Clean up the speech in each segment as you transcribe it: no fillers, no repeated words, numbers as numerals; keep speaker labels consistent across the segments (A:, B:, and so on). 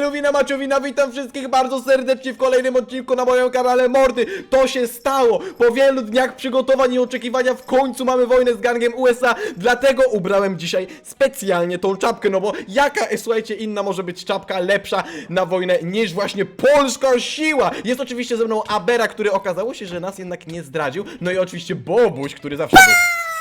A: Luwina Maciowina, witam wszystkich bardzo serdecznie w kolejnym odcinku na moim kanale Mordy. To się stało, po wielu dniach przygotowań i oczekiwania w końcu mamy wojnę z gangiem USA. Dlatego ubrałem dzisiaj specjalnie tą czapkę, no bo jaka, słuchajcie, inna może być czapka lepsza na wojnę niż właśnie polska siła. Jest oczywiście ze mną Abera, który okazało się, że nas jednak nie zdradził. No i oczywiście Bobuś, który zawsze był.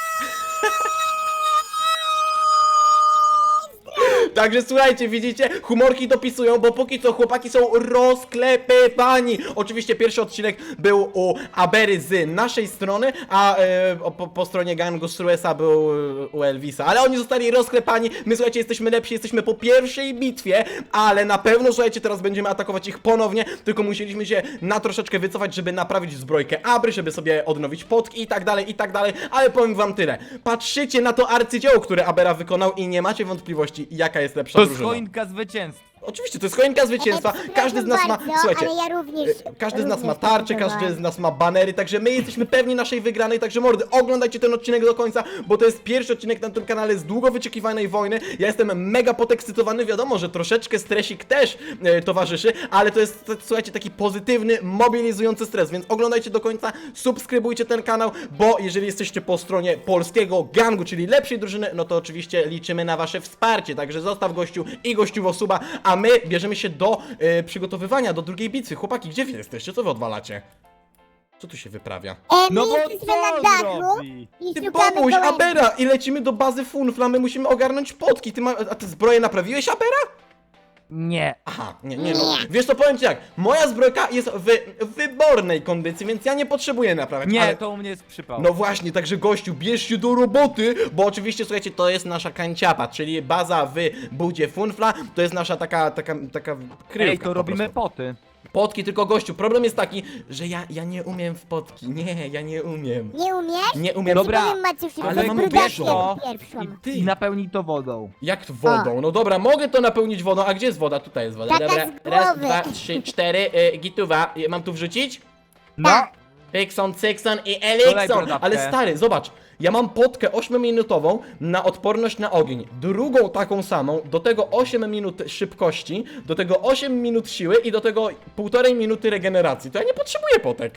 A: Także słuchajcie, widzicie, humorki dopisują, bo póki co chłopaki są rozklepywani. Oczywiście pierwszy odcinek był u Abery z naszej strony, a po stronie gangu Struesa był u Elvisa. Ale oni zostali rozklepani, my słuchajcie, jesteśmy lepsi, jesteśmy po pierwszej bitwie, ale na pewno, słuchajcie, teraz będziemy atakować ich ponownie, tylko musieliśmy się na troszeczkę wycofać, żeby naprawić zbrojkę Abry, żeby sobie odnowić potki i tak dalej, ale powiem wam tyle. Patrzycie na to arcydzieło, które Abera wykonał i nie macie wątpliwości, jaka jest lepsza
B: To jest
A: drużyna.
B: choinka zwycięstwa.
A: Oczywiście, to jest choinka zwycięstwa, każdy z nas ma, słuchajcie,
C: ale ja również,
A: każdy z nas ma
C: również
A: tarcze,
C: próbowałem.
A: każdy z nas ma banery, także my jesteśmy pewni naszej wygranej, także mordy, oglądajcie ten odcinek do końca, bo to jest pierwszy odcinek na tym kanale z długo wyczekiwanej wojny. Ja jestem mega podekscytowany, wiadomo, że troszeczkę stresik też towarzyszy, ale to jest, słuchajcie, taki pozytywny, mobilizujący stres, więc oglądajcie do końca, subskrybujcie ten kanał, bo jeżeli jesteście po stronie polskiego gangu, czyli lepszej drużyny, no to oczywiście liczymy na wasze wsparcie, także zostaw gościu i gościuwo suba, a my bierzemy się do przygotowywania do drugiej bitwy. Chłopaki, gdzie wy jesteście? Co wy odwalacie? Co tu się wyprawia?
B: No
C: My
B: bo
C: jesteśmy na
B: co
C: dachu
B: zrobi?
C: i
A: Ty
C: szukamy
A: Bobuś,
C: gołębi.
A: Abera! I lecimy do bazy Funfla, my musimy ogarnąć potki. A ty zbroję naprawiłeś, Abera?
B: Nie.
A: Aha, nie no. Wiesz co, powiem ci jak, moja zbrojka jest w wybornej kondycji, więc ja nie potrzebuję naprawiać,
B: Nie,
A: ale...
B: to u mnie jest przypał.
A: No właśnie, także gościu, bierz się do roboty, bo oczywiście, słuchajcie, to jest nasza kanciapa, czyli baza w budzie Funfla, to jest nasza taka kryjówka.
B: Ej, to
A: po
B: robimy
A: prostu.
B: poty.
A: Potki, tylko gościu, problem jest taki, że ja nie umiem w potki, nie, ja nie umiem.
C: Nie umiesz?
A: Nie umiem.
B: Dobra,
C: Powiem Maciusiu,
A: ale
C: że
A: mam
C: brudakiem
A: bierzo.
C: pierwszą.
A: Ty,
B: I napełnij to wodą.
A: jak to wodą? No dobra, mogę to napełnić wodą, a gdzie jest woda? Tutaj jest woda,
C: Taka
A: dobra,
C: z
A: raz,
C: głowy.
A: dwa, trzy, cztery, gituwa, mam tu wrzucić?
B: No.
C: Tak.
A: Pykson, Cykson i
B: Dodaj
A: Elikson,
B: brodawkę.
A: ale stary, zobacz, ja mam potkę 8-minutową na odporność na ogień, drugą taką samą, do tego 8 minut szybkości, do tego 8 minut siły i do tego 1,5 minuty regeneracji, to ja nie potrzebuję potek.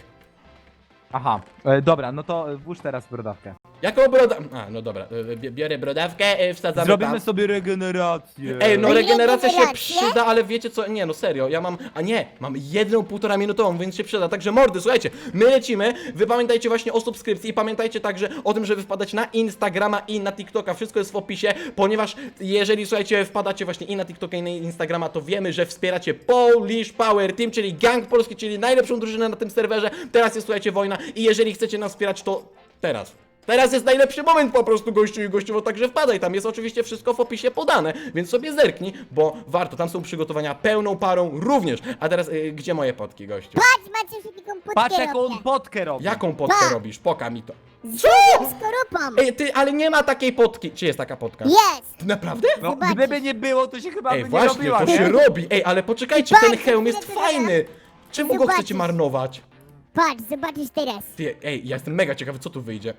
B: Aha, dobra, no to włóż teraz brodawkę.
A: Jaką brodawkę? A, no dobra, biorę brodawkę, wsadzamy
B: Zrobimy
A: tam.
B: sobie regenerację.
A: Ej, no regeneracja się
C: Regenerację?
A: przyda, ale wiecie co? Nie, no serio, ja mam, mam jedną 1,5 minutową, więc się przyda. Także mordy, słuchajcie, my lecimy, wy pamiętajcie właśnie o subskrypcji i pamiętajcie także o tym, żeby wpadać na Instagrama i na TikToka, wszystko jest w opisie, ponieważ jeżeli, słuchajcie, wpadacie właśnie i na TikToka i na Instagrama, to wiemy, że wspieracie Polish Power Team, czyli gang polski, czyli najlepszą drużynę na tym serwerze. Teraz jest, słuchajcie, wojna i jeżeli chcecie nas wspierać, to teraz. Teraz jest najlepszy moment po prostu, gościu i gościowo, także wpadaj, tam jest oczywiście wszystko w opisie podane, więc sobie zerknij, bo warto, tam są przygotowania pełną parą również. A teraz, gdzie moje potki, gościu?
C: Patrz Maciusiu, taką
B: Patrz
C: potkę
B: jaką on
C: robię.
B: potkę robi.
A: Jaką potkę
C: Tak.
A: robisz? Poka mi to.
C: Z skorupą.
A: Ej, ty, ale nie ma takiej potki. Czy jest taka potka?
C: Jest.
A: Naprawdę?
B: No,
C: Zobaczysz.
B: gdyby nie było, to się chyba
A: Ej,
B: by nie
A: właśnie,
B: robiła,
A: to
B: nie?
A: się robi. Ej, ale poczekajcie,
C: Patrz,
A: ten hełm jest
C: co ty
A: fajny. Czemu go
C: Zobaczysz.
A: chcecie marnować?
C: Patrz, zobaczysz teraz.
A: Ty, ej, ja jestem mega ciekawy, co tu wyjdzie.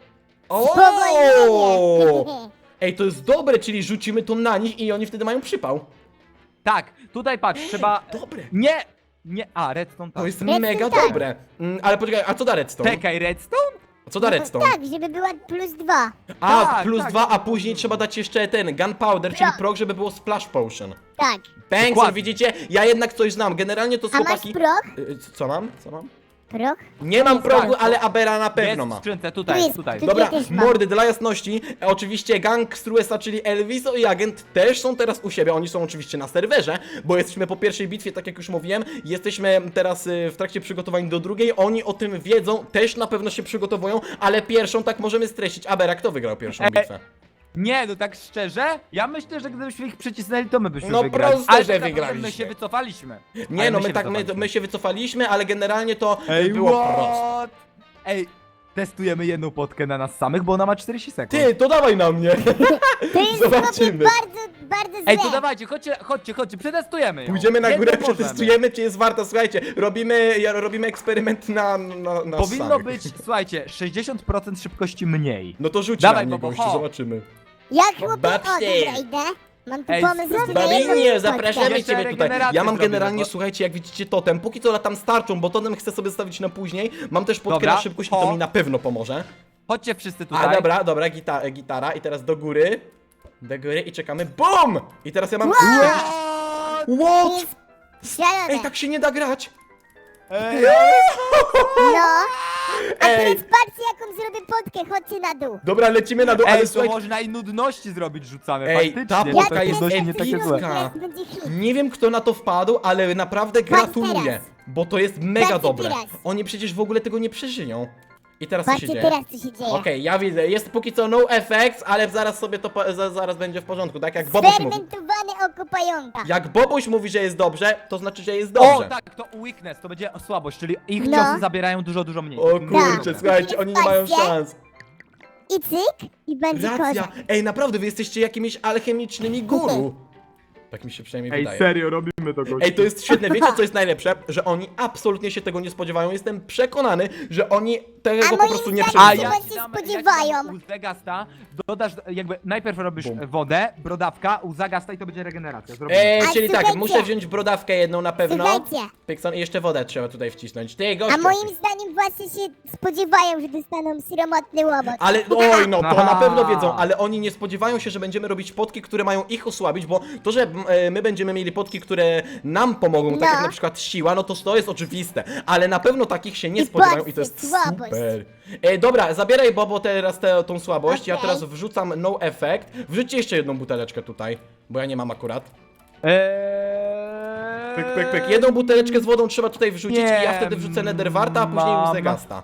C: Spowolnienie.
A: Ej, to jest dobre, czyli rzucimy to na nich i oni wtedy mają przypał.
B: Tak, tutaj patrz, trzeba...
A: Dobre.
B: Nie! Nie, a, redstone tak.
A: To jest
C: Redstone
A: mega
C: tak.
A: dobre. Ale poczekaj, a co da redstone?
B: Czekaj, redstone?
A: A co da redstone?
C: Tak, żeby była +2.
A: A,
B: Tak,
A: plus
B: tak.
A: 2, a później trzeba dać jeszcze ten gunpowder, czyli prog, żeby było splash potion.
C: Tak.
A: Bankson,
B: Dokładnie.
A: widzicie? Ja jednak coś znam. Generalnie to z
C: A masz
A: chłopaki...
C: proch?
A: Co mam? Co mam?
C: Proch?
A: Nie mam progu,
C: bardzo.
A: ale Abera na pewno
B: Jest
A: ma.
B: w skrzynce,
C: Tu
B: tutaj,
C: jest,
B: tutaj.
C: tu-
A: Dobra,
C: Ja też mam.
A: mordy, dla jasności, oczywiście gang Struesa, czyli Elviso i Agent też są teraz u siebie, oni są oczywiście na serwerze, bo jesteśmy po pierwszej bitwie, tak jak już mówiłem, jesteśmy teraz w trakcie przygotowań do drugiej, oni o tym wiedzą, też na pewno się przygotowują, ale pierwszą tak możemy streścić. Abera, kto wygrał pierwszą bitwę?
B: Nie, no tak szczerze, ja myślę, że gdybyśmy ich przycisnęli, to my byśmy
A: No
B: wygrali.
A: proste,
B: Ale
A: że
B: tak naprawdę
A: wygraliśmy.
B: my się wycofaliśmy.
A: Nie
B: Ale
A: no,
B: się
A: my
B: wycofaliśmy.
A: się wycofaliśmy, ale generalnie to
B: Ej,
A: było proste.
B: what? Ej, testujemy jedną potkę na nas samych, bo ona ma 40 sekund.
A: Ty, to dawaj na mnie.
C: To jest
A: Zobaczymy.
C: bardzo złe.
B: Ej, to dawajcie, chodźcie, przetestujemy ją.
A: Pójdziemy na górę,
B: Jedną możemy.
A: przetestujemy, czy jest warta. Słuchajcie, robimy eksperyment na
B: Powinno
A: samych.
B: być, słuchajcie, 60% szybkości mniej.
A: No to rzuć
B: Dawaj,
A: na mnie,
B: Bobo,
A: gościu,
B: ho.
A: zobaczymy.
C: Jak chłopie, o
A: Babcie.
C: dobra, idę. Mam tu
B: Ej,
C: pomysł na jedną
A: Babinie,
C: podkę.
A: zapraszamy
B: Jeszcze
A: ciebie tutaj.
B: regenerację
A: Ja mam
B: zrobimy,
A: generalnie,
B: bo-
A: słuchajcie, jak widzicie totem, póki co latam starczą, bo totem chcę sobie stawić na później. Mam też podkę
B: Dobra,
A: na szybkość i to
B: o.
A: mi na pewno pomoże.
B: Chodźcie wszyscy tutaj.
A: A dobra, gitara i teraz do góry. Do góry i czekamy. BUM! I teraz ja mam...
C: To
A: What?
C: jest szalone.
A: Ej, tak się nie da grać.
B: Ej,
C: No. A
A: Ej.
C: teraz patrzcie, jaką zrobię podkę, chodźcie na dół.
A: Dobra, lecimy na dół, ale
B: Ej, to
A: słuchaj...
B: można i nudności zrobić rzucamy,
A: Ej,
B: faktycznie.
A: ta
B: bo
A: podka
B: te
A: jest
B: nudności nie takie
A: epicka.
B: złe.
C: Teraz będzie hit.
A: Nie wiem kto na to wpadł, ale naprawdę gratuluję,
C: teraz.
A: bo to jest mega
C: Patrzcie
A: dobre.
C: teraz.
A: Oni przecież w ogóle tego nie przeżyją. I teraz co się
C: Patrzcie
A: dzieje?
C: teraz, co się dzieje.
A: Okej, ja widzę, jest póki co no effects, ale zaraz sobie to, zaraz będzie w porządku, tak jak Bobuś mówi.
C: Sfermentowane oko pająka.
A: Jak Bobuś mówi, że jest dobrze, to znaczy, że jest
B: O,
A: dobrze.
B: tak, to weakness, to będzie słabość, czyli ich
C: No.
B: ciosy zabierają dużo mniej.
A: O kurczę,
C: Tak.
A: słuchajcie, oni nie mają
C: Patrzcie.
A: szans.
C: I cyk, i będzie
A: Racja,
C: kozak.
A: ej, naprawdę, wy jesteście jakimiś alchemicznymi guru. Tak mi się przynajmniej wydaje.
B: serio, robimy to, gościu.
A: Ej, to jest świetne. Wiecie, co jest najlepsze? Że oni absolutnie się tego nie spodziewają. Jestem przekonany, że oni tego
C: A
A: po
C: moim
A: prostu nie
C: zdaniem
A: przewidzą.
C: ja się spodziewają.
B: U Zagasta dodasz, jakby najpierw robisz
A: Bum.
B: wodę, brodawka, u Zagasta i to będzie regeneracja. Zrobimy.
C: A
A: Czyli tak,
C: słuchajcie.
A: muszę wziąć brodawkę jedną na pewno.
C: Słuchajcie.
A: Pykson i jeszcze wodę trzeba tutaj wcisnąć. Ty,
C: A
A: gościu.
C: moim zdaniem właśnie się spodziewają, że dostaną sromotny łobot.
A: Ale, oj, no to na
B: Aha.
A: pewno wiedzą, ale oni nie spodziewają się, że będziemy robić potki, które mają ich osłabić, bo to, że my będziemy mieli potki, które nam pomogą, tak
C: No.
A: jak na przykład siła, no to jest oczywiste, ale na pewno takich się nie
C: I
A: spodziewają
C: patrzcie,
A: i to jest
C: słabość.
A: super. Dobra, zabieraj Bobo teraz tą słabość, ja
C: Okej.
A: teraz wrzucam no effect, wrzućcie jeszcze jedną buteleczkę tutaj, bo ja nie mam akurat. Pyk. Jedną buteleczkę z wodą trzeba tutaj wrzucić
B: Nie
A: i ja wtedy wrzucę Netherwarta, a później
B: mam.
A: Uzegasta.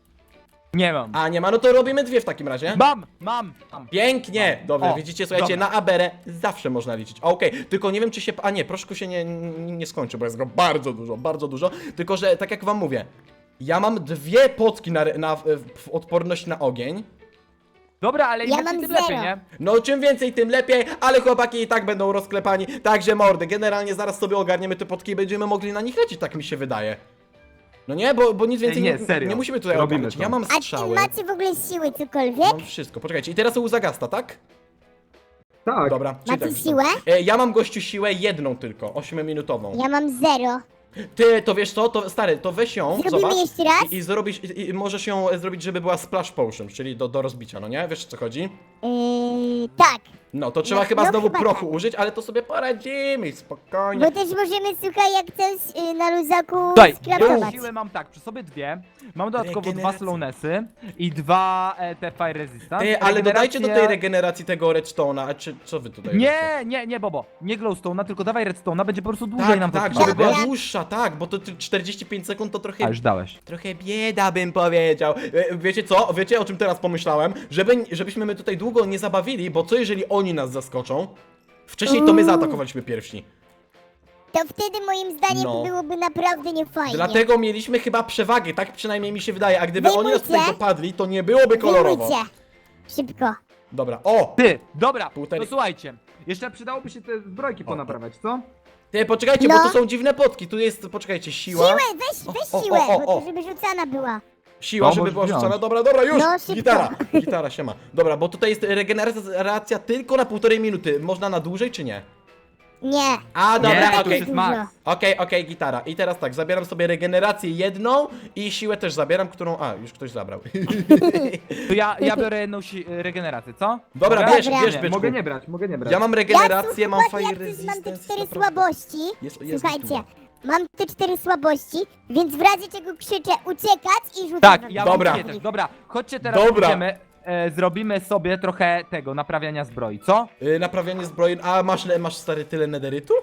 B: Nie mam.
A: A nie ma, no to robimy dwie w takim razie.
B: Mam.
A: Pięknie! Dobra,
B: O,
A: widzicie, słuchajcie,
B: dobra.
A: na Aberę zawsze można liczyć. Okej, tylko nie wiem, czy się... A nie, proszku się nie skończy, bo jest go bardzo dużo. Tylko, że tak jak wam mówię, ja mam dwie potki w odporność na ogień.
B: Dobra, ale
C: Ja
B: im
C: mam
B: tym lepiej,
C: zero.
B: nie?
A: No, czym więcej, tym lepiej, ale chłopaki i tak będą rozklepani. Także mordy, generalnie zaraz sobie ogarniemy te potki i będziemy mogli na nich lecieć, tak mi się wydaje. No nie, bo nic więcej
B: nie, serio.
A: nie musimy tutaj
B: Robimy
A: ogarniać.
B: to.
A: Ja mam
C: A czy
A: strzały.
C: macie w ogóle siły cokolwiek?
A: Mam wszystko. Poczekajcie, i teraz u Zagasta, tak?
B: Tak.
A: Dobra, czyli
C: Macie
A: tak,
C: siłę?
A: Ja mam gościu siłę jedną tylko, 8-minutową.
C: Ja mam 0.
A: Ty, to wiesz co, to stary, to weź ją,
C: Zrobimy
A: zobacz.
C: jeszcze raz?
A: I zrobisz, i możesz ją zrobić, żeby była splash potion, czyli do rozbicia, no nie? Wiesz o co chodzi?
C: Tak.
A: No, to trzeba
C: No,
A: chyba
C: no
A: znowu
C: chyba
A: prochu
C: tak.
A: użyć, ale to sobie poradzimy, spokojnie.
C: Bo też możemy, słuchaj, jak coś na luzaku
B: Słuchaj, ja
C: skraftować.
B: siłę mam tak, przy sobie dwie, mam dodatkowo dwa
A: Regeneracja.
B: slownessy i dwa te fire resistance.
A: Ty, ale dodajcie do tej
B: Regeneracja-
A: regeneracji tego redstone'a, a czy co wy tutaj robicie?
B: Nie, Bobo, nie glowstone'a, tylko dawaj redstone'a, będzie po prostu dłużej nam
A: Tak,
B: to
A: tak,
B: trwało,
A: żeby była
B: wiesz?
A: dłuższa, tak, bo to 45 sekund to trochę...
B: A, już dałeś.
A: Trochę bieda bym powiedział. Wiecie co? Wiecie o czym teraz pomyślałem? Żebyśmy my tutaj długo nie zabawili, bo co jeżeli oni nas zaskoczą? Wcześniej to my zaatakowaliśmy pierwsi.
C: To wtedy moim zdaniem
A: No.
C: byłoby naprawdę niefajnie.
A: Dlatego mieliśmy chyba przewagę, tak przynajmniej mi się wydaje. A gdyby oni nas
C: Wyjmujcie.
A: tutaj dopadli, to nie byłoby kolorowo.
C: Wyjmujcie. Szybko.
A: Dobra, o!
B: Ty, dobra,
A: Półtorej-
B: to słuchajcie, jeszcze przydałoby się te zbrojki ponaprawiać, co?
A: Ty, poczekajcie,
C: No.
A: bo tu są dziwne potki. Tu jest, poczekajcie, siła.
C: Siłę, weź
A: o,
C: siłę,
A: o,
C: bo
A: o.
C: to żeby rzucana była.
A: Siła,
B: To
A: żeby
B: możesz
A: była
B: wziąć.
A: rzucona. Dobra, już!
C: No, szybko.
A: Gitara, siema. Dobra, bo tutaj jest regeneracja tylko na 1,5 minuty. Można na dłużej, czy nie?
C: Nie.
A: A, dobra,
B: Nie, to
A: okej.
B: już jest max.
A: Okej, gitara. I teraz tak, zabieram sobie regenerację jedną i siłę też zabieram, którą... A, już ktoś zabrał.
B: To ja biorę jedną regenerację, co?
A: Dobra,
B: Mogę?
A: bierz,
C: Dobra.
A: bierz,
B: Nie,
A: byczku.
B: mogę nie brać, mogę nie brać.
A: Ja mam
C: Ja
A: regenerację, mam
C: słuchaj,
A: fire
C: jak też mam te
A: resistance.
C: 4
A: naprawdę.
C: słabości.
A: Jest
C: Słuchajcie,
A: gituwa.
C: mam te 4 słabości, więc w razie czego krzyczę uciekać i rzucam.
B: Tak,
C: wam.
B: ja
A: Dobra.
B: mam też. Dobra, chodźcie teraz
A: Dobra.
B: pójdziemy, zrobimy sobie trochę tego, naprawiania zbroi, co?
A: Naprawianie zbroi... A, masz stary tyle nederytu?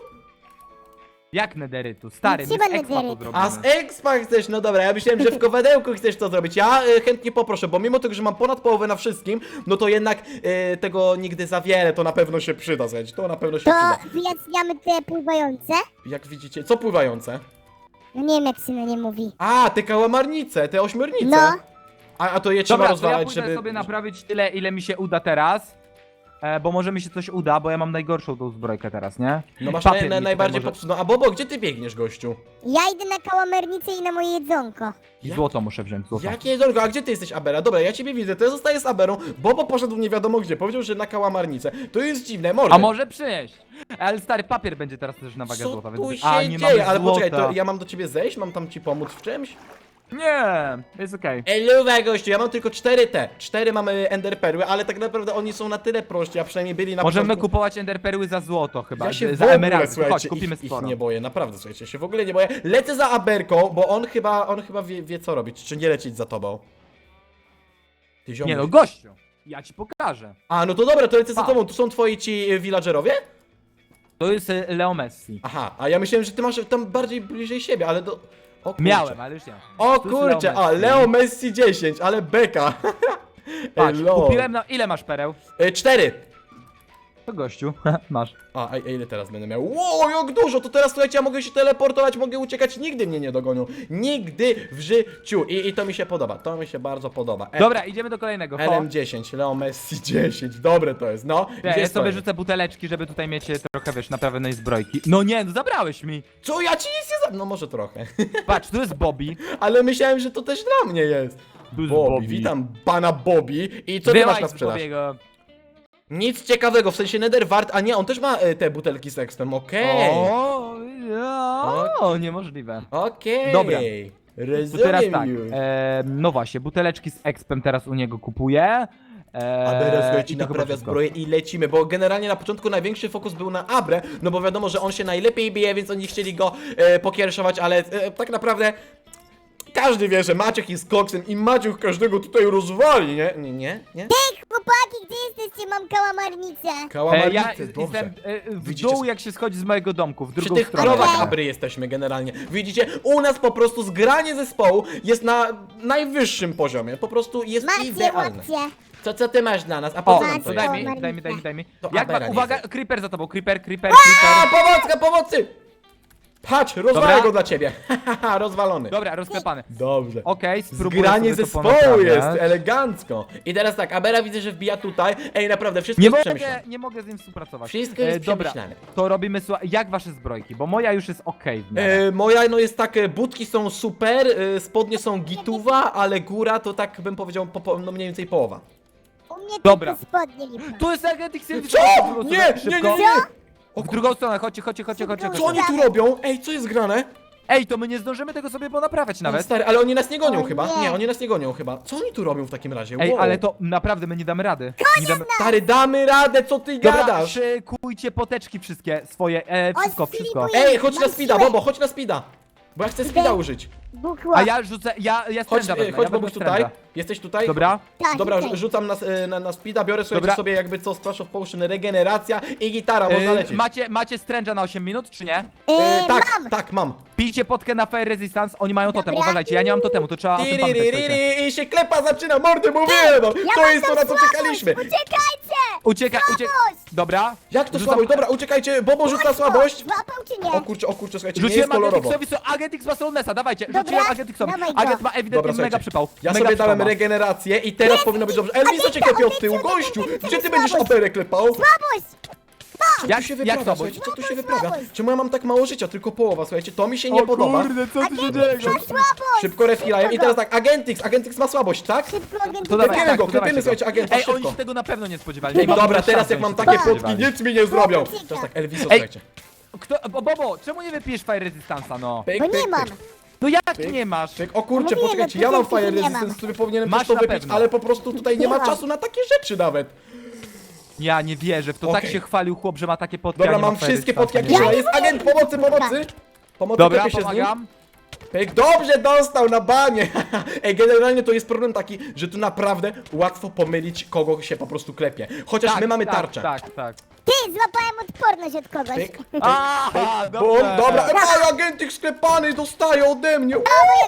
B: Jak nederytu? Stary, my
C: Trzeba
B: z expa to
C: nederytu.
B: zrobimy.
A: A z expa chcesz? No dobra, ja myślałem, że w kowadełku chcesz to zrobić. Ja chętnie poproszę, bo mimo tego, że mam ponad połowę na wszystkim, no to jednak tego nigdy za wiele, to na pewno się przyda, słuchajcie, to na pewno się
C: To
A: przyda.
C: wyjaśniamy te pływające.
A: Jak widzicie, co pływające?
C: No nie wiem jak się na nie mówi.
A: A, te kałamarnice, te ośmiornice.
C: No.
A: A to je trzeba
B: Dobra, to ja
A: rozwalać,
B: pójdę
A: żeby...
B: sobie naprawić tyle, ile mi się uda teraz. bo może mi się coś uda, bo ja mam najgorszą tą zbrojkę teraz, nie?
A: No masz
B: Papier mi tutaj
A: najbardziej
B: może-
A: popsuł. No a Bobo, gdzie ty biegniesz, gościu?
C: Ja idę na kałamernicę i na moje jedzonko.
B: I złoto muszę wziąć, złoto.
A: Jakie jedzonko? A gdzie ty jesteś, Abera? Dobra, ja ciebie widzę, to ja zostaję z Aberą. Bobo poszedł nie wiadomo gdzie, powiedział, że na kałamarnicę. To jest dziwne, może.
B: A może przynieść? Ale stary, papier będzie teraz też na wagę
A: Co
B: złota,
A: tu
B: więc...
A: się
B: A, nie
A: dzieje?
B: mamy
A: Ale
B: złota.
A: poczekaj, to ja mam do ciebie zejść? Mam tam ci pomóc w czymś?
B: Nie, jest okej.
A: Eluwa, gościu, ja mam tylko 4 mamy enderperły, ale tak naprawdę oni są na tyle prości, a przynajmniej byli na
B: Możemy
A: początku.
B: kupować enderperły za złoto chyba,
A: Ja się w
B: za
A: ogóle,
B: emeraldy. Chodź,
A: słuchajcie,
B: kupimy
A: ich
B: sporo.
A: nie boję, naprawdę, słuchajcie, się w ogóle nie boję. Lecę za Aberką, bo on chyba wie co robić, czy nie lecieć za tobą. Ty ziomuś.
B: Nie no, gościu, ja ci pokażę.
A: A, no to dobra, to lecę za
B: Pa.
A: tobą, tu są twoi ci villagerowie?
B: To jest Leo Messi.
A: Aha, a ja myślałem, że ty masz tam bardziej bliżej siebie, ale do... O kurczę.
B: Miałem, ale już nie.
A: O
B: Tu jest
A: kurczę,
B: Leo
A: a
B: Messi.
A: Leo Messi 10, ale beka.
B: Patrz,
A: Elo.
B: kupiłem na... Ile masz pereł?
A: 4.
B: To gościu, masz.
A: A ile teraz będę miał? Wow, jak dużo! To teraz, słuchajcie, ja mogę się teleportować, mogę uciekać, nigdy mnie nie dogonią. Nigdy w życiu. I to mi się podoba, to mi się bardzo podoba.
B: Dobra, idziemy do kolejnego. Ho.
A: LM10, Leo Messi 10, dobre to jest, no.
B: Ja
A: Gdzie jest
B: sobie
A: kolejny?
B: rzucę buteleczki, żeby tutaj mieć trochę, wiesz, naprawionej zbrojki. No nie, no zabrałeś mi.
A: Co, ja ci nic nie za... No może trochę.
B: Patrz, tu jest Bobby.
A: Ale myślałem, że to też dla mnie jest.
B: Tu jest
A: Bobby, witam pana Bobby. I co ty masz na
B: z
A: sprzedaż?
B: Bobbiego.
A: Nic ciekawego, w sensie Netherwart, a nie, on też ma te butelki z ekspem, okej.
B: O, niemożliwe.
A: Okej.
B: Dobra. To
A: Rozumiem
B: teraz tak,
A: już.
B: no właśnie, buteleczki z expem teraz u niego kupuję.
A: Abera, słuchajcie,
B: i to chyba
A: naprawia
B: wszystko.
A: zbroję i lecimy, bo generalnie na początku największy fokus był na Abrę, no bo wiadomo, że on się najlepiej bije, więc oni chcieli go pokiereszować, ale tak naprawdę każdy wie, że Maciek jest koksem i Maciek każdego tutaj rozwali, nie? Nie?
C: Chłopaki, gdzie jesteście? Mam kałamarnicę.
A: Kałamarnicy,
B: Ja
A: dobrze.
B: jestem w
A: Widzicie,
B: dół, jak się schodzi z mojego domku, w
A: Przy
B: drugą
A: tych
B: stronę.
A: krowach
C: Dobra.
A: Abry jesteśmy generalnie. Widzicie, u nas po prostu zgranie zespołu jest na najwyższym poziomie, po prostu jest
C: Macie,
A: idealne.
C: łapcie.
A: Co ty masz dla nas? A po
B: O,
A: co nam
C: Macie.
A: to
B: to
A: jest?
B: daj mi.
A: To
B: Jak
A: Abera
B: ma,
A: nie
B: uwaga,
A: jest.
B: creeper za tobą, creeper.
A: A, pomocy! Patrz, rozwalę
B: Dobra.
A: go dla ciebie. Haha, rozwalony.
B: Dobra, rozklepany.
A: Dobrze.
B: Okej, spróbuję
A: Zgranie
B: sobie to
A: zespołu
B: ponaprawiać.
A: jest, elegancko. I teraz tak, Abera widzę, że wbija tutaj. Ej, naprawdę, wszystko
B: Nie
A: jest
B: mogę,
A: przemyślane.
B: nie mogę z nim współpracować.
A: Wszystko jest
B: Dobra,
A: przemyślane.
B: to robimy, jak wasze zbrojki, bo moja już jest okej w miarę.
A: Moja no jest tak, budki są super, spodnie są gituwa, ale góra to tak bym powiedział, no mniej więcej połowa.
C: U mnie
B: Dobra.
C: tylko spodnie lipa.
B: Tu jest agent Xilvis.
A: Co? Nie!
B: W drugą stronę, chodźcie.
A: Co oni tu robią? Ej, co jest grane?
B: Ej, to my nie zdążymy tego sobie ponaprawiać
A: No,
B: nawet.
A: stary, ale oni nas nie gonią
C: O
A: chyba.
C: nie.
A: Nie, oni nas nie gonią chyba. Co oni tu robią w takim razie?
B: Ej,
A: Wow.
B: ale to naprawdę my nie damy rady. Nie damy...
A: Stary, damy radę, co ty
B: Dobra,
A: gadasz?
B: szykujcie poteczki wszystkie swoje, wszystko.
C: Filipuję.
A: Ej, chodź na
C: Mam
A: speeda,
C: siłę.
A: Bobo, chodź na speeda. Bo ja chcę speeda użyć.
C: Buchło.
B: A ja rzucę, ja
A: Chodź,
B: stręża wezmę,
A: chodź
B: ja
A: Bobuś
B: wezmę
A: tutaj.
B: stręża.
A: Jesteś tutaj?
B: Dobra?
C: Tak,
A: Dobra,
C: tutaj.
A: rzucam na speeda, biorę słuchajcie
B: Dobra.
A: sobie jakby co, Splash of Potion, regeneracja i gitara, można lecieć.
B: Macie stręża na 8 minut, czy nie?
A: Tak, mam.
B: Pijcie potkę na Fire Resistance, oni mają totem,
C: Dobra.
B: uważajcie, ja nie mam totemu, to trzeba o tym pamiętać. słuchajcie.
A: Tiririririri, i się klepa zaczyna, mordy mówiłem, no.
C: Ja
A: To
C: mam
A: jest to,
C: tam
A: na co
C: słabość,
A: czekaliśmy.
C: Uciekajcie!
B: Ucieka.
C: Słabość!
B: Dobra.
A: Jak to
B: Rzucam-
A: słabość? Dobra, uciekajcie, Bobo rzuca
C: Łatwo.
A: słabość.
C: Złapał czy nie?
A: O kurczę, słuchajcie, nie jest
B: Rzuciłem
A: kolorowo.
B: Agent Xowi, Agent X ma Solnesa, dawajcie,
C: Dobra,
B: rzuciłem Agent Xowi.
C: dawaj go.
B: Agent ma ewidentnie
A: Dobra,
B: mega
A: słuchajcie,
B: przypał.
A: ja
B: mega
A: sobie dałem
B: przypał ma.
A: regenerację i teraz powinno być dobrze. Elvis, co cię klepie od tyłu, gościu? Gdzie ty będziesz operę klepał?
C: Słabość!
A: Co
B: Jak-
A: tu się
B: jak
A: wyprawia,
B: słabość?
A: słuchajcie, co tu się
C: Słabość,
A: wyprawia?
C: słabość.
A: Czemu ja mam tak mało życia, tylko połowa, słuchajcie, to mi się nie podoba.
B: co
C: Agent X ma słabość!
A: Szybko refilajem i teraz tak, Agentix ma słabość, tak?
C: Szybko agent
B: To dawaj,
A: Klepiemy go,
B: to dawajcie
A: klepiemy, słuchajcie, agenta,
B: Ej, oni
A: szybko.
B: się tego na pewno nie spodziewali.
A: Ej,
B: Nie mam
A: dobra,
B: szans,
A: teraz jak
B: żeby
A: mam
B: się
A: takie
B: tego
A: potki,
B: spodziewali.
A: nic mi nie zrobią.
C: Ucieka.
A: Teraz tak, Elviso,
B: Ej.
A: słuchajcie.
B: Bobo, czemu nie wypijesz Fire Resistance'a, no?
A: Pyk,
C: Bo nie
A: pyk,
C: mam.
A: pyk.
B: No jak
A: Pyk.
B: nie masz?
A: Pyk. O kurczę,
C: Mówiłem,
A: poczekajcie, ja mam
C: początku
A: Fire
C: nie mam.
A: Resistance, który powinienem
B: Masz
A: też to
B: na
A: wypić,
B: pewno.
A: ale po prostu tutaj nie ma
C: Nie mam.
A: czasu na takie rzeczy nawet.
B: Ja nie wierzę, w to tak
A: Okej.
B: się chwalił chłop, że ma takie potki,
A: Dobra,
B: a nie
A: mam
B: ma Fire
A: wszystkie
B: Resistance'a.
A: potki, jakie
C: Ja
A: trzeba.
C: nie
A: Jest
C: mogę,
A: agent,
C: nie
A: pomocy!
C: mogę.
A: Pomocy,
B: Dobra,
A: klepie się z nim.
B: pomagam.
A: Pyk, dobrze dostał na banie! Ej, generalnie to jest problem taki, że tu naprawdę łatwo pomylić, kogo się po prostu klepie. Chociaż
B: Tak,
A: my mamy
B: tak,
A: tarczę.
B: Tak.
C: Ty, złapałem odporność od kogoś.
A: Pyk, pyk,
B: Aha,
A: pyk, bum, dobra, ej, agentik sklepany dostaje ode mnie!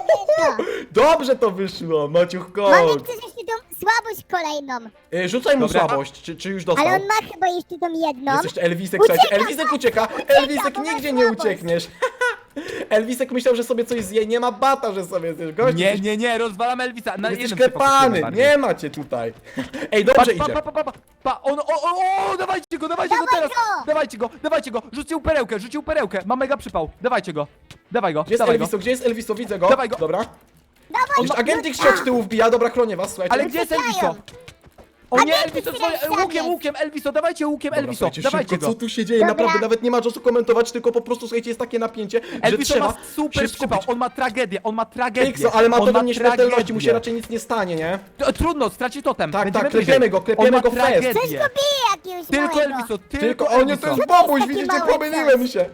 A: Dobrze to wyszło, Maciuch,
C: Mamy
A: chodź.
C: chcesz jeszcze tą słabość kolejną.
A: Rzucaj mu
B: Dobra.
A: słabość, czy już dostał?
C: Ale on ma chyba jeszcze tą jedną.
A: Jest jeszcze Elwisek,
C: Ucieka,
A: słuchajcie, Elwisek ucieka! Elwisek,
C: bo ma
A: nigdzie nie
C: słabość.
A: uciekniesz! Elvisek myślał, że sobie coś zje, nie ma bata, że sobie zjesz. Gość,
B: Nie, rozwalam Elvisa. Na
A: jesteś
B: jednym się fokusujemy
A: klepany,
B: bardziej.
A: nie macie tutaj. Ej, dobrze idzie.
B: On, dawajcie go
C: Dawaj
B: teraz!
C: go!
B: Dawajcie go! Rzucił perełkę, ma mega przypał. Dawajcie go, dawaj go,
A: Gdzie jest
B: dawaj go.
A: Elviso? Gdzie jest Elviso? Widzę go.
B: Dawaj go.
A: Dobra.
C: Dawaj,
A: Jeszcze agentik się od tyłu wbija, dobra, chronię was, słuchajcie.
B: Ale gdzie jest Elviso? O nie, Elviso, łukiem, Elviso, dawajcie łukiem,
A: Dobra,
B: Elviso,
A: słuchajcie,
B: dawajcie
A: szybko,
B: go.
A: co tu się dzieje?
C: Dobra.
A: Naprawdę, nawet nie ma czasu komentować, tylko po prostu, słuchajcie, jest takie napięcie, że
B: Elviso
A: trzeba
B: ma super
A: się
B: przypał,
A: skupić.
B: on ma tragedię.
A: Pixo, ale ma
B: On
A: totem nieśmiertelności,
B: tragedię.
A: mu się raczej nic nie stanie, nie?
B: Trudno, straci totem.
A: Tak,
B: Będziemy
A: tak,
B: bliżej.
A: klepiemy go
B: On ma
A: fest.
C: Coś
B: tragedię.
C: go bije jakiegoś
B: Tylko
C: małego.
B: Elviso,
A: Tylko, o nie, to jest
C: Elviso.
A: Bobuś,
C: Taki
A: widzicie,
C: mały
A: pomyliłem się.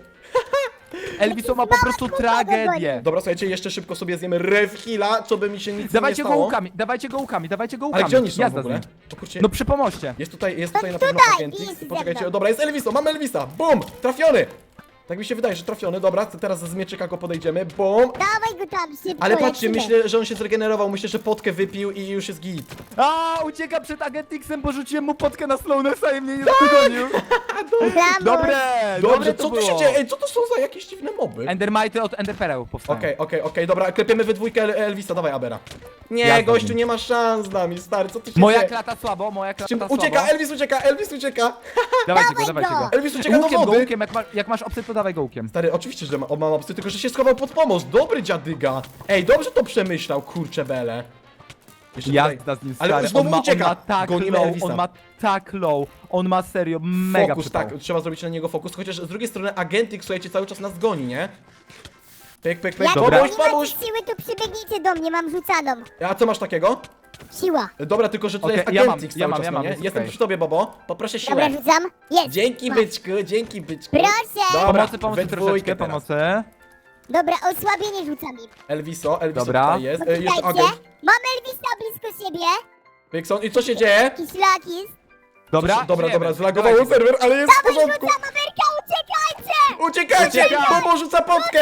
B: Elviso ma po prostu tragedię.
A: Dobra, słuchajcie, jeszcze szybko sobie zjemy Rev Heala, co by mi się nic
B: Dawajcie
A: nie
B: go
A: stało.
B: łukami, dawajcie go łukami.
A: Ale gdzie oni są
B: Jazda
A: w ogóle?
B: z nim.
A: To kurczę,
B: No przy pomoście.
A: jest tutaj na
C: To
A: pewno
C: tutaj,
A: Agentix.
C: jest ze
A: Poczekajcie,
C: mną.
A: dobra, jest Elviso, mamy Elvisa, bum, trafiony. Tak mi się wydaje, że trafiony, dobra, teraz z mieczyka go podejdziemy, bum.
C: Dawaj go tam, szybko
A: Ale patrzcie,
C: lecimy.
A: myślę, że on się zregenerował, myślę, że potkę wypił i już jest git.
B: Ucieka przed Agentixem, bo rzuciłem mu potkę na Slownessa i mnie nie dogonił.
C: Brawo.
B: Dobre,
A: Dobrze,
B: to
A: co tu się
B: było.
A: dzieje? Ej, co to są za jakieś dziwne moby?
B: Endermite od Enderpereł powstają.
A: Okej, dobra, klepiemy we dwójkę Elvisa, dawaj Abera. Nie,
B: Jazda
A: gościu,
B: z nim.
A: nie ma szans z nami, stary, co tu się
B: Moja
A: dzieje?
B: klata słabo,
A: Czym ucieka, Elvis ucieka, Elvis ucieka.
B: Dawajcie go,
C: Dawaj
B: dawajcie
C: go.
B: go.
A: Elvis ucieka do
B: Łukiem go,
A: wody.
B: łukiem, jak masz opcję, to dawaj go łukiem.
A: Stary, oczywiście, że mam opcję, tylko że się schował pod pomoc. Dobry dziadyga. Ej, dobrze to przemyślał, kurczę bele. Jeszcze
B: Jazda z nim,
A: Ale
B: stary.
A: znowu
B: on ma
A: ucieka.
B: tak
A: Gonimy
B: low,
A: Elvisa.
B: on ma tak low. On ma serio mega
A: Fokus,
B: przypał.
A: tak, trzeba zrobić na niego fokus, chociaż z drugiej strony Agentik, słuchajcie, cały czas nas goni, nie? Pyk, pyk, pyk,
C: Jak
B: Dobra.
A: pomóż,
C: nie macie
A: pomóż!
C: siły, to przybiegnijcie do mnie, mam rzucaną.
A: A co masz takiego?
C: Siła.
A: Dobra, tylko że tutaj
B: Okej,
A: jest
B: ja
A: Agentik
B: mam,
A: cały czas, no nie?
B: jest
A: Jestem
B: okej.
A: przy tobie, Bobo. Poproszę siłę.
C: Dobra, rzucam. Jest.
A: Dzięki,
C: Masz.
A: byczku, dzięki, byczku.
C: Proszę.
A: Dobra,
B: Pomocy
A: we dwójkę
B: troszeczkę,
A: teraz.
B: pomocy.
C: Dobra, osłabienie rzucam im.
A: Elviso
B: Dobra.
A: tutaj jest. Jeszcze
C: Poczekajcie.
A: agent.
C: Mam Elvisa blisko siebie.
A: Pixon, i co się dzieje?
C: Jakiś lakis.
B: Dobra,
A: Dobra,
B: żyjemy.
A: zlagowało
B: Dawajcie go.
A: serwer, ale jest w
C: Dawaj,
A: porządku.
C: rzucam, Amerka, uciekajcie!
A: Uciekajcie!
B: Ucieka!
A: Bobo rzuca potkę!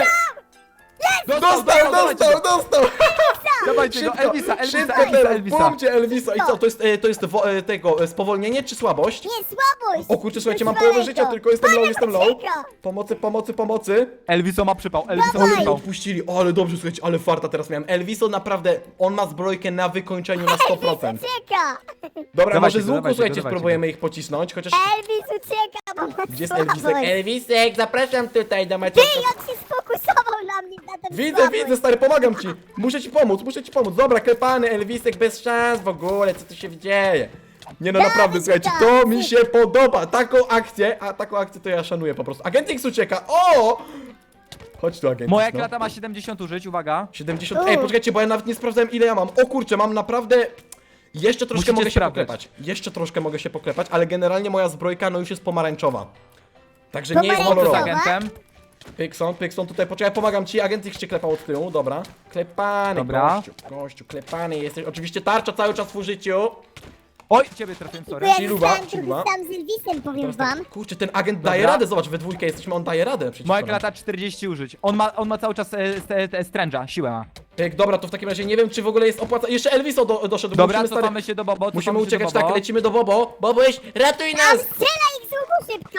B: Dostał,
A: Dostał!
B: Dawajcie go,
A: Szybko, szybko teraz,
B: Elvisa.
A: bumcie Elvisa. I co, to jest tego, spowolnienie czy słabość?
C: Nie, słabość.
A: O kurczę, słuchajcie, mam
C: Wywalaj
A: połowę życia,
C: go.
A: tylko jestem low, jestem low.
C: Ucieka.
A: Pomocy.
B: Elviso ma przypał, Elviso ma
C: Dawaj.
A: Ale
B: przypał.
A: odpuścili, ale dobrze, słuchajcie, ale farta teraz miałem. Elviso naprawdę, on ma zbrojkę na wykończeniu na 100%.
C: Ucieka.
A: Dobra,
B: Dawajcie
A: może
B: go,
A: z łuku,
B: dawajcie
A: słuchajcie,
B: go, dawajcie
A: spróbujemy ich pocisnąć, chociaż...
C: Elvis ucieka, bo ma
A: Gdzie jest
C: słabość.
A: Elvisek? Elvisek, zapraszam tutaj do
C: Ty,
A: meczu.
C: jak się sfokusował na mnie, na ten
A: Widzę, stary, pomagam ci. Muszę ci pomóc. Dobra, klepany Elvisek bez szans w ogóle, co tu się dzieje? Nie no,
C: Dawid,
A: naprawdę, słuchajcie, to
C: Dawid.
A: mi się podoba. Taką akcję to ja szanuję po prostu. Agentix ucieka, o! Chodź tu, Agentix,
B: Moja
A: no.
B: klata ma 70 użyć, uwaga.
A: 70, ej, poczekajcie, bo ja nawet nie sprawdzałem ile ja mam. O kurczę, mam naprawdę... Jeszcze troszkę
B: Musicie
A: mogę się
B: sprawdzać.
A: poklepać. Jeszcze troszkę mogę się poklepać, ale generalnie moja zbrojka no już jest pomarańczowa. Także nie jest
C: Pomarańczowa?
B: Z
A: kolorowa.
B: agentem.
A: Pykson, tutaj poczekaj, pomagam ci, agent cię klepał od tyłu, dobra. Klepany,
B: Dobra.
A: gościu, klepany jesteś. Oczywiście tarcza cały czas w użyciu.
B: Oj, ciebie trafiłem, sorry.
C: Ja
A: Chiluba,
C: zostałem
A: chiluba.
C: trochę sam z Elvisem, powiem
A: Teraz tak,
C: wam.
A: kurczę, ten agent daje
B: Dobra.
A: radę, zobacz, we dwójkę jesteśmy, on daje radę przecież.
B: Moja klata 40 użyć. On ma cały czas stręża, siłę ma.
A: Dobra, to w takim razie nie wiem, czy w ogóle jest opłaca. Jeszcze Elviso doszedł, bo
B: Dobra,
A: musimy, stary,
B: cofamy się do Bobo,
A: musimy
B: cofamy się
A: uciekać,
B: do Bobo.
A: tak, lecimy do Bobo. Boboś, ratuj
C: Tam
A: nas!
C: strzela ich z łuku szybko.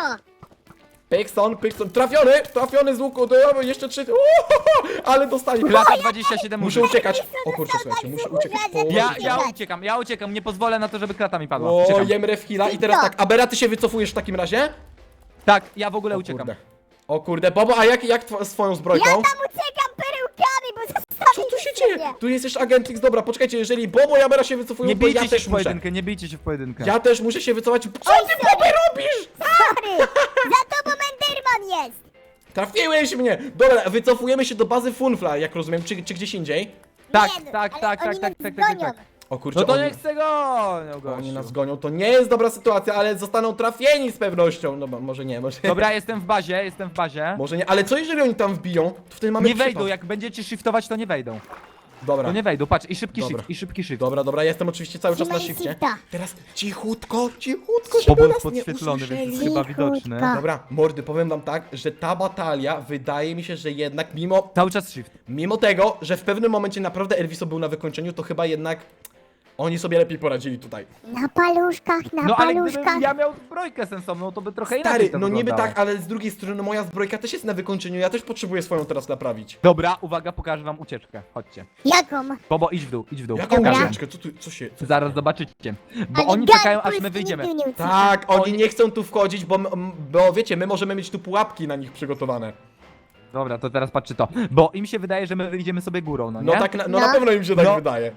A: Pykson, trafiony z łuku, jeszcze 3, ale dostali.
B: Klata 27
A: Muszę
B: użyć.
A: uciekać. O kurczę, słuchajcie, muszę uciekać.
B: Ja uciekam, nie pozwolę na to, żeby klata mi padła.
A: O,
B: Uciekam.
A: jem Rev Heala i teraz tak, Abera, ty się wycofujesz w takim razie?
B: Tak, ja w ogóle uciekam.
A: O kurde, Bobo, a jak swoją zbrojką?
C: Ja tam uciekam perełkami, bo
A: Co
C: zostawię
A: tu się dzieje? Tu jest jeszcze Agentix, dobra, poczekajcie, jeżeli Bobo i Abera się wycofują,
B: Nie
A: to
B: bijcie
A: ja
B: się
A: też
B: w
A: muszę.
B: pojedynkę, nie bijcie się w pojedynkę.
A: Ja też muszę się wycofać. Co ty, Bobo, robisz?
C: Sorry, za tobą Enderman jest.
A: Trafiłeś mnie! Dobra, wycofujemy się do bazy Funfly, jak rozumiem, czy gdzieś indziej?
B: Tak,
C: Nie,
B: tak,
C: ale
B: tak,
C: oni
B: tak,
C: nas
B: tak, tak,
C: gonią.
B: tak.
A: O kurczę,
B: No to
A: oni,
B: nie chcę go!
A: oni nas gonią, to nie jest dobra sytuacja, ale zostaną trafieni z pewnością. No bo może nie, może
B: Dobra, jestem w bazie.
A: może nie, ale co jeżeli oni tam wbiją? To wtedy mamy
B: Nie
A: przypad.
B: wejdą, jak będziecie shiftować, to nie wejdą.
A: Dobra.
B: To nie wejdą, patrz, i szybki
A: Dobra.
B: shift, i szybki shift.
A: Dobra, jestem oczywiście cały czas na
C: Trzymaj
A: shifcie.
C: shifta.
A: Teraz cichutko, żeby
B: Bobo
A: nas
B: jest
A: nie
B: podświetlony,
A: usłyszeli.
B: więc jest chyba widoczny.
C: Cichutko.
A: Dobra, mordy, powiem wam tak, że ta batalia wydaje mi się, że jednak mimo
B: Cały czas shift.
A: tego, że w pewnym momencie naprawdę Elviso był na wykończeniu, to chyba jednak Oni sobie lepiej poradzili tutaj.
C: Na paluszkach, na
B: No ale
C: paluszkach.
B: gdybym ja miał zbrojkę sensowną, to by trochę inaczej
A: Stary,
B: to
A: no niby
B: wyglądało.
A: tak, ale z drugiej strony moja zbrojka też jest na wykończeniu, ja też potrzebuję swoją teraz naprawić.
B: Dobra, uwaga, pokażę wam ucieczkę. Chodźcie.
C: Jaką?
B: Bobo, idź w dół, idź w dół.
A: Jaką
C: Dobra.
A: ucieczkę? Co się...
B: Zaraz zobaczycie. Bo
C: Ale
B: oni
C: gad,
B: czekają, aż
C: Polski
B: my wyjdziemy.
C: nigdy nie ucieka.
A: Tak, oni
B: Oni-
A: nie chcą tu wchodzić, bo wiecie, my możemy mieć tu pułapki na nich przygotowane.
B: Dobra, to teraz patrzy to. Bo im się wydaje, że my wyjdziemy sobie górą, no nie?
A: No tak, no
C: No.
A: na pewno im się tak
B: No.
A: wydaje.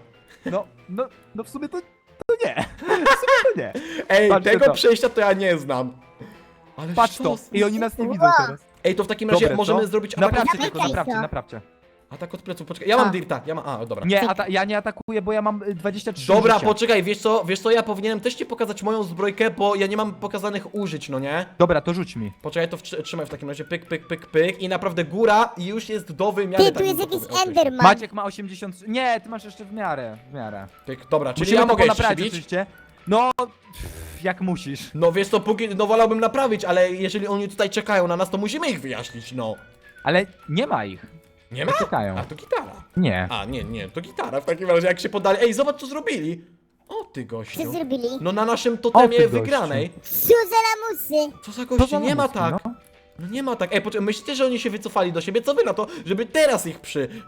B: No w sumie to nie. W sumie to nie.
A: Ej,
B: Patrzcie
A: tego
B: to.
A: przejścia to ja nie znam. Ale
B: Patrz to.
A: sztos.
B: I oni nas nie widzą
C: Wow.
B: teraz.
A: Ej, to w takim razie
B: Dobre,
A: możemy
B: co?
A: zrobić atak.
B: Naprawcie
C: Dawaj,
B: tylko, naprawcie,
C: Kajso.
B: naprawcie.
A: Atak od pleców, poczekaj. Ja mam
C: A.
A: dirta, dobra.
B: Nie, ja nie atakuję, bo ja mam 23
A: Dobra,
B: życia.
A: poczekaj, wiesz co, ja powinienem też ci pokazać moją zbrojkę, bo ja nie mam pokazanych użyć, no nie?
B: Dobra, to rzuć mi.
A: Poczekaj, to trzymaj w takim razie, pyk, pyk, pyk, pyk i naprawdę góra już jest do wymiany.
C: Ty,
A: tak
C: tu jest
A: bym to
C: jakiś
A: określił.
C: Enderman.
B: Maciek ma 80... Nie, ty masz jeszcze w miarę,
A: Pyk, dobra, czyli
B: Musimy
A: ja
B: to
A: mogę jeszcze
B: ponaprawiać
A: bić?
B: oczywiście. No, jak musisz.
A: No wiesz co, no wolałbym naprawić, ale jeżeli oni tutaj czekają na nas, to musimy ich wyjaśnić, no.
B: Ale nie ma ich.
A: Nie ma?
B: Czekają.
A: A, to gitara.
B: Nie.
A: A, nie, to gitara w takim razie, jak się podali. Ej, zobacz co zrobili. O ty gościu.
C: Co zrobili?
A: No na naszym
B: O, ty
A: totemie
B: gościu.
A: wygranej.
C: Co za lamusy?
A: Co za
B: To
A: gości,
B: za
A: nie ma
B: lamuski,
A: tak.
B: no.
A: No nie ma tak. Ej, poczekaj, myślicie, że oni się wycofali do siebie? Co wy na to, żeby teraz ich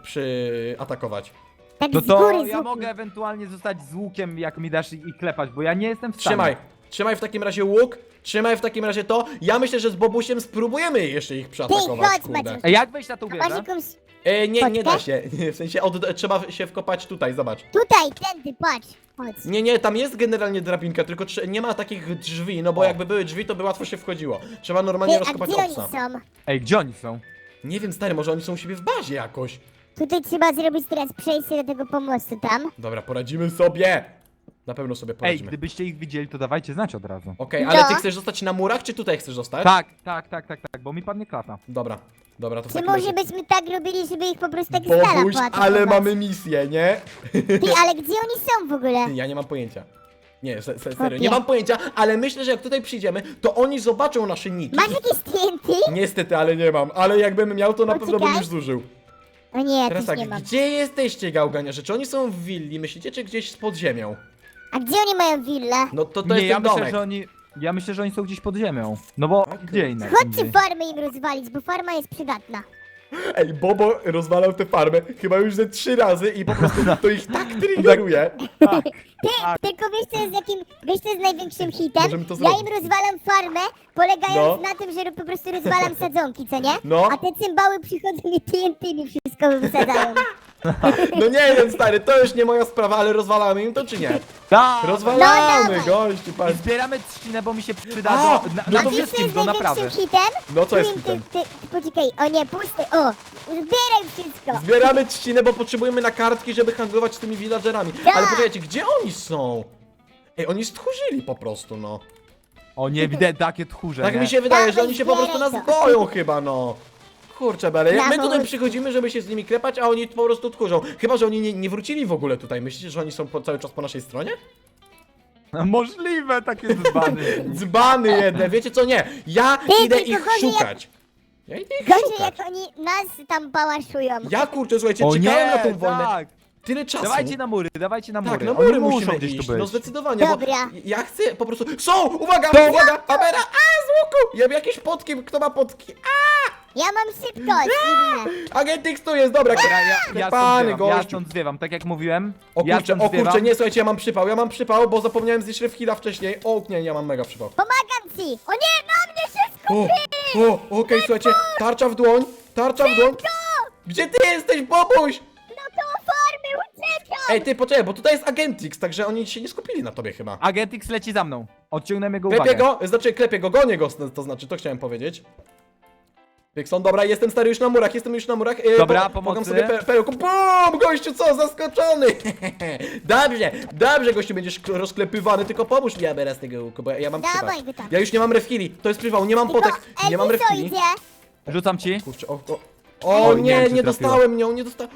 A: atakować?
C: Tak
B: No
C: z
B: to
C: góry, z
B: ja
C: łuku.
B: mogę ewentualnie zostać z łukiem, jak mi dasz i klepać, bo ja nie jestem w stanie.
A: Trzymaj w takim razie łuk, trzymaj w takim razie to. Ja myślę, że z Bobusiem spróbujemy jeszcze ich przeatakować,
C: chodź,
A: kurde.
C: Maciek.
B: Ej, jak wejść na tą
C: Masz
B: wieżę?
C: jakąś...
A: Nie da
C: Podkę?
A: się. W sensie, trzeba się wkopać tutaj, zobacz.
C: Tutaj, tędy, patrz. Chodź.
A: Nie, tam jest generalnie drabinka, tylko nie ma takich drzwi, no bo
B: O.
A: jakby były drzwi, to by łatwo się wchodziło. Trzeba normalnie
C: Ty, a
A: rozkopać
C: gdzie oni
A: obsa.
C: są?
B: Ej, gdzie oni są?
A: Nie wiem, stary, może oni są u siebie w bazie jakoś.
C: Tutaj trzeba zrobić teraz przejście do tego pomostu tam.
A: Dobra, poradzimy sobie. Na pewno sobie
B: Ej,
A: poradzimy.
B: gdybyście ich widzieli, to dawajcie znać od razu.
A: Okej, ale ty
C: No.
A: chcesz zostać na murach, czy tutaj chcesz zostać?
B: Tak, bo mi padnie klata.
A: Dobra, to w
C: Czy
A: takim
C: może
A: razie...
C: byśmy tak robili, żeby ich po prostu tak stala
A: Bobuś,
C: poatakować?
A: ale mamy misję, nie?
C: Ty, ale gdzie oni są w ogóle?
A: Ja nie mam pojęcia. Nie, serio,
C: Chłopie.
A: nie mam pojęcia, ale myślę, że jak tutaj przyjdziemy, to oni zobaczą nasze niki.
C: Masz jakieś TNT?
A: Niestety, ale nie mam, ale jakbym miał, to na pewno bym
C: Poczekaj.
A: już zużył.
C: O nie, ja
A: Teraz
C: też
A: tak,
C: nie mam.
A: gdzie jesteście, gałganiarze? Czy oni są w willi, myślicie, czy gdzieś pod ziemią?
C: A gdzie oni mają willę?
A: No to
B: Nie,
A: jest
B: ja
A: ten
B: myślę,
A: domek.
B: że oni... Ja myślę, że oni są gdzieś pod ziemią. No bo
A: Okej.
B: gdzie inne?
C: Chodźcie farmę im rozwalić, bo farma jest przydatna.
A: Ej, Bobo rozwalał tę farmę chyba już ze 3 razy i po prostu to ich tak triggeruje.
C: Tylko wiesz co jest największym hitem?
A: Możemy to
C: Ja
A: zrobić.
C: im rozwalam farmę, polegając
A: No.
C: na tym, że po prostu rozwalam sadzonki, co nie?
A: No.
C: A te cymbały przychodzą i TNT mi wszystko wysadzają.
A: No nie wiem, stary, to już nie moja sprawa, ale rozwalamy im to czy nie?
B: Tak!
A: Rozwalamy,
C: No dawaj.
A: gościu,
B: I
A: patrz.
B: zbieramy trzcinę, bo mi się przyda
A: A,
B: do, na,
A: no
B: na
A: to
C: A wiesz co
B: wszystkim
C: jest
B: do naprawy.
C: największym hitem?
A: No co jest
C: Tu im
A: hitem?
C: Poczekaj, o nie, pusty, o! Zbieraj wszystko!
A: Zbieramy trzcinę, bo potrzebujemy na kartki, żeby handlować z tymi villagerami.
C: Tak.
A: Ale poczekajcie, gdzie oni są? Ej, oni stchórzyli po prostu, no.
B: O nie, widzę takie tchórze,
A: Tak
B: nie?
A: mi się wydaje, że
C: Dawaj,
A: oni się po prostu nas
C: zbieraj to.
A: boją chyba, no. Kurczę, Bele, jak my
C: Brawo.
A: tutaj przychodzimy, żeby się z nimi klepać, a oni po prostu tchórzą. Chyba, że oni nie wrócili w ogóle tutaj. Myślicie, że oni są cały czas po naszej stronie?
B: Możliwe, takie dzbany.
A: Dzbany jedne, wiecie co, nie. Ja
C: Ty,
A: idę
C: tylko
A: ich
C: gorzej jak-
A: szukać. Ja idę ich
C: Gorzej
A: szukać.
C: jak oni nas tam pałaszują.
A: Ja kurczę, słuchajcie,
B: O
A: czekałem
B: nie,
A: na tą wojnę.
B: tak.
A: Tyle czasu.
B: Dawajcie na mury, dawajcie na mury.
A: Tak, na
B: Oni
A: mury
B: muszą
A: musimy
B: gdzieś
A: iść,
B: tu być.
A: no zdecydowanie,
C: Dobra.
A: bo ja chcę po prostu... Są! Uwaga, uwaga! Abera! A, z łuku! Ja mam jakieś potki, kto ma potki?
C: Ja mam szybkość, inne.
A: Agent X tu jest, dobra.
B: Ja
A: Pany,
B: stąd zwiewam, ja
A: gościu.
B: stąd zwiewam, tak jak mówiłem.
A: O
B: ja
A: kurczę,
B: stąd zwiewam.
A: nie, słuchajcie, ja mam przypał, bo zapomniałem zjeść refkilla wcześniej. O, nie, ja mam mega przypał.
C: Pomagam ci! O nie, na mnie wszystko!
A: Okej, słuchajcie, tarcza w dłoń, Gdzie ty jesteś, Bobuś?
C: No to farmy, uciekam!
A: Ej, ty, poczekaj, bo tutaj jest Agent X, także oni się nie skupili na tobie chyba.
B: Agent X leci za mną. Odciągnąłem jego
A: Klepię
B: uwagę.
A: go, klepię go, gonię go, to znaczy, to chciałem powiedzieć. Pixon, dobra, jestem stary już na murach,
B: Dobra,
A: pomagam
B: pomocy.
A: sobie perełką. BUM! Gościu, co, zaskoczony! Dobrze, gościu, będziesz rozklepywany, tylko pomóż mi, aby raz tego łuku, bo ja mam
C: Dawaj
A: przypał.
C: go tam.
A: Ja już nie mam refili, to jest przypał, nie mam potek, nie mam
C: Elviso
A: refili.
C: idzie!
B: Rzucam ci.
A: Kurczę, o
B: Oj, nie
A: nie,
B: wiem, czy
A: nie
B: trafiło.
A: dostałem nią, nie dostałem.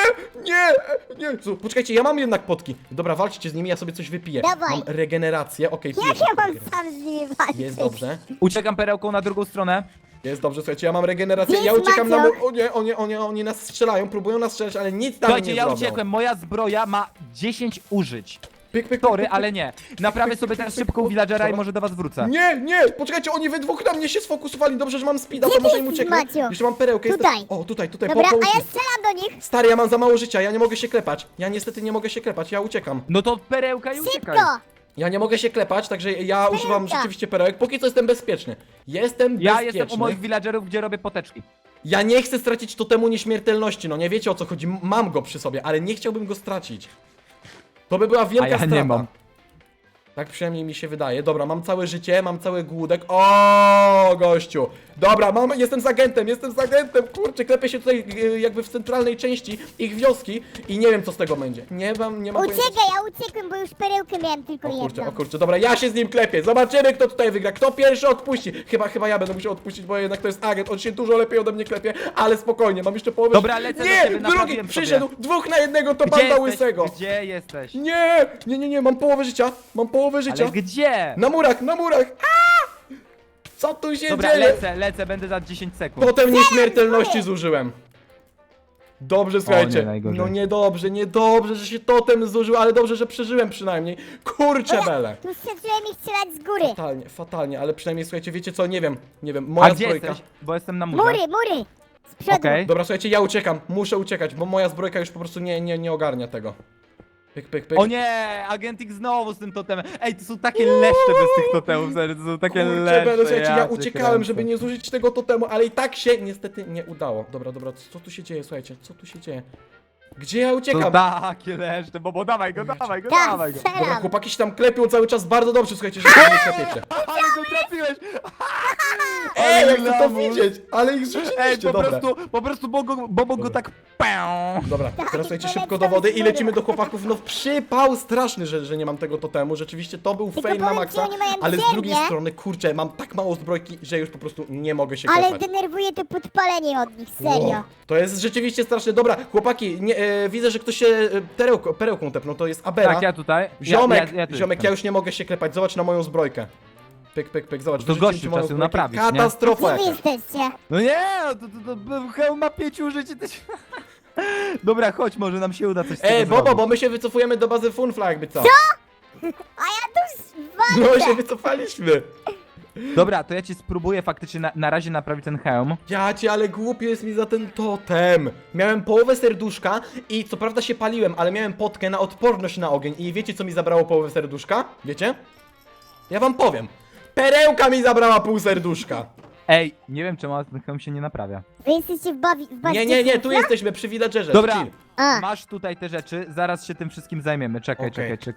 A: Nie. Poczekajcie, ja mam jednak potki. Dobra, walczcie z nimi, ja sobie coś wypiję.
C: Dawaj.
A: Mam regenerację, okej, piję
C: Jak
A: sobie
C: ja mam
A: regenerację.
C: sam z nimi walczyć?
A: Jest dobrze.
B: Uciekam perełką na drugą stronę.
A: Jest dobrze, słuchajcie, ja mam regenerację,
C: Jest
A: ja uciekam na
C: Maciok.
A: mur. O nie, oni nas strzelają, próbują nas strzelać, ale nic tam
B: Słuchajcie,
A: nie
B: ja
A: zrobią.
B: uciekłem, moja zbroja ma 10 użyć.
A: Pyk, pyk,
B: Sorry,
A: pyk, pyk.
B: ale nie. Naprawię sobie teraz szybko u villagera i może do was wrócę.
A: Nie, nie, poczekajcie, oni we dwóch na mnie się sfokusowali. Dobrze, że mam speeda,
C: Gdzie
A: to może
C: ty
A: im
C: jesteś,
A: ucieknę.
C: Maciu?
A: Jeszcze mam perełkę.
C: Tutaj.
A: O, tutaj,
C: Dobra,
A: połóż
C: a ja
A: mi.
C: strzelam do nich.
A: Stary, ja mam za mało życia, ja nie mogę się klepać. Ja niestety nie mogę się klepać, ja uciekam.
B: No to perełka i uciekaj.
C: Szybko.
A: Ja nie mogę się klepać, także ja używam
C: Perełka.
A: rzeczywiście perełek. Póki co jestem bezpieczny. Jestem
B: Ja
A: bezpieczny.
B: jestem u moich villagerów, gdzie robię poteczki.
A: Ja nie chcę stracić totemu nieśmiertelności, no nie wiecie o co chodzi. Mam go przy sobie, ale nie chciałbym go stracić. To by była wielka
B: A ja nie
A: strata.
B: mam.
A: Tak przynajmniej mi się wydaje. Dobra, mam całe życie, mam cały głódek. O, gościu. Dobra, jestem z agentem, kurczę, klepię się tutaj jakby w centralnej części ich wioski i nie wiem co z tego będzie. Nie mam pojęcia.
C: Uciekaj, ja uciekłem, bo już perełkę miałem tylko
A: O
C: jedną.
A: kurczę, dobra, ja się z nim klepię. Zobaczymy, kto tutaj wygra. Kto pierwszy odpuści. Chyba ja będę musiał odpuścić, bo jednak to jest agent. On się dużo lepiej ode mnie klepie, ale spokojnie, mam jeszcze połowę.
B: Dobra, lecę do
A: Nie,
B: ciebie,
A: drugi
B: naprawiłem
A: przyszedł.
B: sobie.
A: 2 na 1 to
B: Gdzie
A: banda
B: jesteś?
A: łysego.
B: Gdzie jesteś?
A: Nie, mam połowę życia.
B: Ale gdzie?
A: Na murach. Co tu się
B: Dobra,
A: dzieje?
B: lecę, będę za 10 sekund.
A: Potem nieśmiertelności zużyłem. Dobrze, słuchajcie.
B: najgorzej.
A: No niedobrze, że się totem zużył, ale dobrze, że przeżyłem przynajmniej. Kurczę bele.
C: Tu zacząłem ich strzelać z góry.
A: Fatalnie, ale przynajmniej słuchajcie, wiecie co, nie wiem,
B: A
A: moja
B: gdzie
A: zbrojka.
B: jesteś? Bo jestem na murze.
C: Mury. Z przodu.
B: Okej.
A: Dobra, słuchajcie, ja uciekam, muszę uciekać, bo moja zbrojka już po prostu nie ogarnia tego. Pyk.
B: O nie, agentik znowu z tym totemem. Ej, to są takie leszcze bez tych totemów, serio, to są takie
A: Kurczę,
B: leszcze.
A: bele, słuchajcie, ja
B: cię
A: uciekałem,
B: kręcę.
A: żeby nie zużyć tego totemu, ale i tak się niestety nie udało. Dobra, co tu się dzieje, słuchajcie, co tu się dzieje? Gdzie ja
B: To
A: uciekam?
B: takie leszcze, bo dawaj go.
C: Tak,
B: Dawaj go.
A: Dobra,
C: strzelam.
A: chłopaki się tam klepią cały czas bardzo dobrze, słuchajcie, że się nie klepiecie.
B: Ale go trafiłeś!
A: Ej, jak chcę to
B: lamus.
A: widzieć, ale ich
B: Ej,
A: zrzuciliście, dobra.
B: po prostu Bobo go tak pę.
A: Dobra,
C: Tak,
A: teraz słuchajcie,
C: to
A: szybko
C: lecę
A: do wody i
C: z
A: lecimy
C: góry.
A: do chłopaków. No przypał straszny, że nie mam tego totemu. Rzeczywiście to był
C: Tylko
A: fail na
C: powiem
A: maksa,
C: ci, oni mają
A: ale z
C: ziemię.
A: drugiej strony, kurczę, mam tak mało zbrojki, że już po prostu nie mogę się
C: Ale
A: klepać.
C: denerwuje to podpalenie od nich, serio.
A: Wow, to jest rzeczywiście straszne. Dobra, chłopaki, widzę, że ktoś się perełką tepnął, to jest Abera.
B: Tak, ja tutaj.
A: Ziomek,
B: tu
A: ziomek, ja
B: jestem.
A: już nie mogę się klepać, zobacz na moją zbrojkę. Pyk, zobacz.
B: To
A: wyrzuciłem
B: gościu
A: ci moją
B: trzeba ją
A: zbrojkę.
B: naprawić, nie?
A: Katastrofa
C: Gdzie wy
A: jakaś.
C: jesteście?
B: No nie, to hełm ma 5 użyć. Dobra, chodź, może nam się uda coś z tego
A: Ej, Bobo,
B: zrobić.
A: bo my się wycofujemy do bazy Funfla jakby co.
C: A ja tu
A: No
C: walczę.
A: się wycofaliśmy.
B: Dobra, to ja ci spróbuję faktycznie na razie naprawić ten hełm.
A: Ale głupio jest mi za ten totem. Miałem połowę serduszka i co prawda się paliłem, ale miałem potkę na odporność na ogień. I wiecie co mi zabrało połowę serduszka? Wiecie? Ja wam powiem. Perełka mi zabrała pół serduszka.
B: Ej, nie wiem czemu ten hełm się nie naprawia.
C: Wy jesteście w bazie
A: Nie, tu
C: Funfla?
A: jesteśmy przy villagerze.
B: Dobra.
A: chill.
C: A,
B: Masz tutaj te rzeczy, zaraz się tym wszystkim zajmiemy. Czekaj.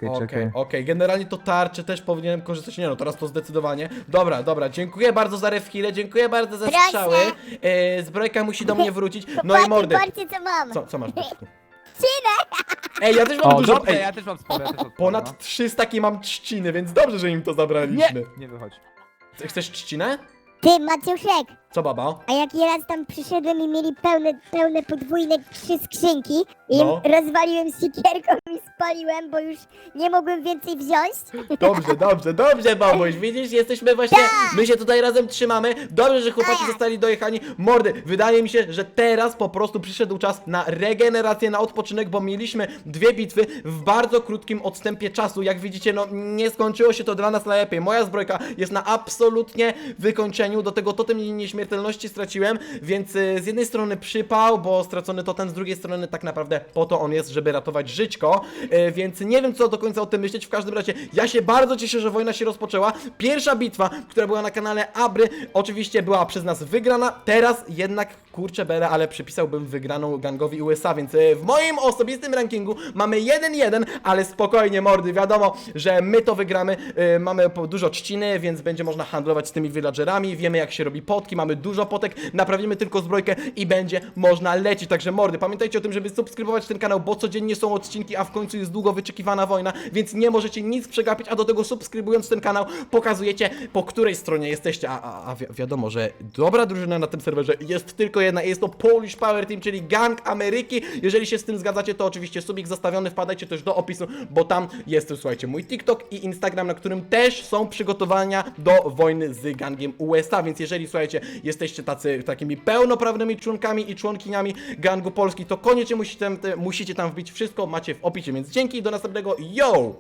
A: Okej, generalnie to tarcze też powinienem korzystać. Nie no, teraz to zdecydowanie. Dobra, dziękuję bardzo za refkile, dziękuję bardzo za
C: Proszę.
A: strzały. Zbrojka musi do mnie wrócić. No i
C: chłopaki,
A: mordy.
C: patrzcie co mam.
A: Co masz, Byczku?
C: Trzcinę.
A: Ej, ja też mam
B: O,
A: dużo.
B: dobrze,
A: Ej,
B: ja też mam sporo, no.
A: ponad 300 takie mam trzciny, więc dobrze, że im to zabraliśmy.
B: Nie wychodź.
A: Chcesz trzcinę?
C: Ty, Maciuszek,
A: Co baba?
C: a jak ja raz tam przyszedłem i mieli pełne podwójne 3 skrzynki i
A: No.
C: rozwaliłem siekierką i spaliłem, bo już nie mogłem więcej wziąć.
A: Dobrze, babuś, widzisz, jesteśmy właśnie,
C: Tak.
A: my się tutaj razem trzymamy. Dobrze, że chłopaki
C: Tak.
A: zostali dojechani. Mordy, wydaje mi się, że teraz po prostu przyszedł czas na regenerację, na odpoczynek, bo mieliśmy 2 bitwy w bardzo krótkim odstępie czasu. Jak widzicie, no nie skończyło się to dla nas najlepiej. Moja zbrojka jest na absolutnie wykończeniu, do tego totem nieśmiertelności straciłem, więc z jednej strony przypał, bo stracony totem, z drugiej strony tak naprawdę po to on jest, żeby ratować żyćko, więc nie wiem co do końca o tym myśleć. W każdym razie ja się bardzo cieszę, że wojna się rozpoczęła. Pierwsza bitwa, która była na kanale Abry, oczywiście była przez nas wygrana, teraz jednak kurczę bele, ale przypisałbym wygraną gangowi USA, więc w moim osobistym rankingu mamy 1-1, ale spokojnie mordy, wiadomo, że my to wygramy, mamy dużo trzciny, więc będzie można handlować z tymi villagerami, wiemy jak się robi potki, mamy dużo potek, naprawimy tylko zbrojkę i będzie można lecieć, także mordy, pamiętajcie o tym, żeby subskrybować ten kanał, bo codziennie są odcinki, a w końcu jest długo wyczekiwana wojna, więc nie możecie nic przegapić, a do tego subskrybując ten kanał pokazujecie, po której stronie jesteście, wiadomo, że dobra drużyna na tym serwerze jest tylko jedna, jest to Polish Power Team, czyli Gang Ameryki. Jeżeli się z tym zgadzacie, to oczywiście subik zostawiony, wpadajcie też do opisu, bo tam jest, słuchajcie, mój TikTok i Instagram, na którym też są przygotowania do wojny z gangiem USA, więc jeżeli, słuchajcie, jesteście takimi pełnoprawnymi członkami i członkiniami gangu Polski, to koniecznie musicie tam wbić, wszystko macie w opisie, więc dzięki, do następnego, yo!